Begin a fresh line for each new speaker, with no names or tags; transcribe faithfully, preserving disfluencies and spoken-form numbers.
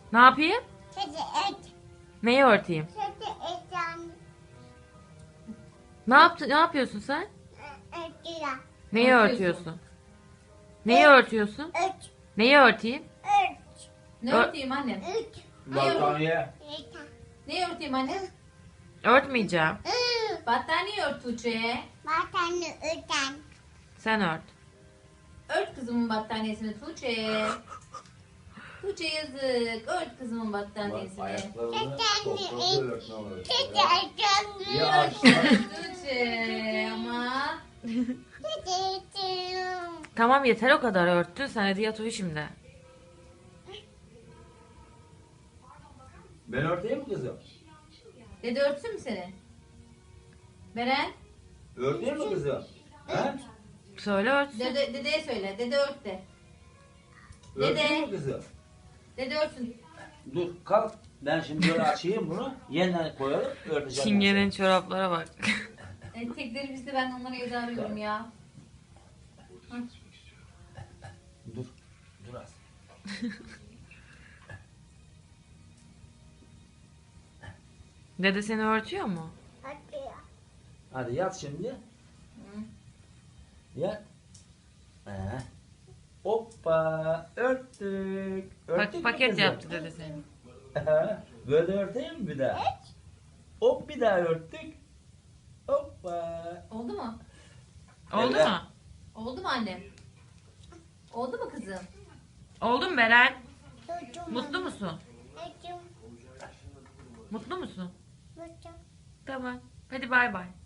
Ne yapayım?
Kedi et.
Neyi örteyim?
Kedi et yani.
Ne yaptı? Ne yapıyorsun sen?
Örtüyor.
Neyi
Örtüyorsun.
örtüyorsun? Neyi örtüyorsun?
Ört.
Neyi örteyim?
Ört.
Ne
Ö-
örteyim annem?
Ört.
Battaniye.
Yeter.
Ne örteyim annem?
Örtmeyeceğim.
Iı.
Battaniye ört Tuğçe.
Batanı öten.
Sen ört.
Ört kızımın battaniyesini Tuğçe. Tuğçe yazık. Ört kızımın
Bak,
battaniyesini.
ayaklarını toprağı örtme var.
Kedi et.
Ya
Yani.
aşağı.
Tuğçe ama.
Kedi et.
Tamam yeter o kadar örttün. Sen hadi yat uyu şimdi.
Ben örteyim mi kızım?
Dede örtsün mü seni? Beren.
Örteyim mi kızım? He?
Söyle örtsün.
Dede, dedeye söyle. Dede ört de.
Örteyim mi kızım?
Dede örtsün.
Dur kalk. Ben şimdi böyle açayım bunu. Yeniden koyalım. Örteceğim.
Çingene'nin çoraplara bak.
E, tekleri bizde, ben onlara evde arıyorum ya. Hı.
Dur. Dur az.
Dede seni örtüyor mu?
Örtüyor.
Hadi yat şimdi. Yat. Ee. Hoppa. Örttük. Örttük
Bak
mü
paket
kızım?
yaptı dede seni.
Böyle örteyim mi bir daha? Hop bir daha örttük. Hoppa.
Oldu mu?
Oldu
Evet.
mu?
Oldu mu annem? Oldu mu kızım?
Oldu mu Beren?
Çocuğum.
Mutlu musun?
Çocuğum.
Mutlu musun?
Çocuğum.
Tamam. Hadi bay bay.